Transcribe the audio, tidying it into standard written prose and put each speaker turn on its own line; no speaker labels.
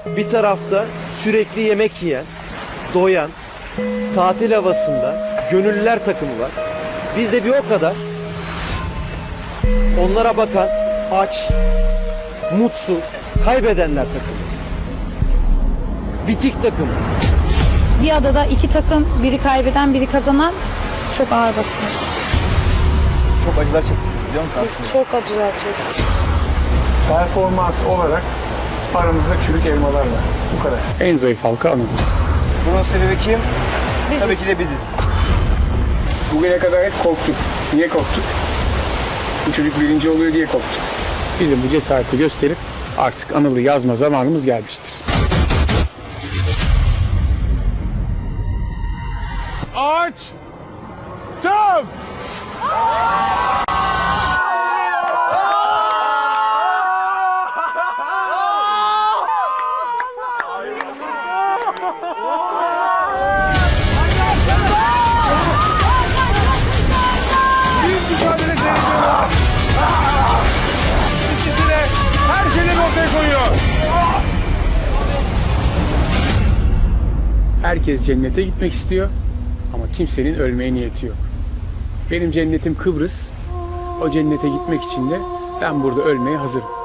Bir tarafta sürekli yemek yiyen, doyan, tatil havasında gönüllüler takımı var. Biz de bir o kadar onlara bakan, aç, mutsuz, kaybedenler takımız. Bitik takımız.
Bir adada iki takım, biri kaybeden, biri kazanan çok ağır basıyor.
Çok acılar çektik biliyor musun
Biz
aslında?
çok acılar çektik.
Performans olarak aramızda çürük elmalar var. Bu kadar.
En zayıf halka Anadolu.
Bunun sebebi kim?
Biziz.
Tabii ki de biziz.
Bugüne kadar hep korktuk. Niye korktuk? Bu çocuk birinci oluyor diye korktuk.
Bizim bu cesareti gösterip artık Anıl'ı yazma zamanımız gelmiştir.
Aç! Tam! Büyük mücadele seyirciyoruz. İkisi de her şeyini ortaya koyuyor.
Herkes cennete gitmek istiyor ama kimsenin ölmeye niyeti yok. Benim cennetim Kıbrıs. O cennete gitmek için de ben burada ölmeye hazırım.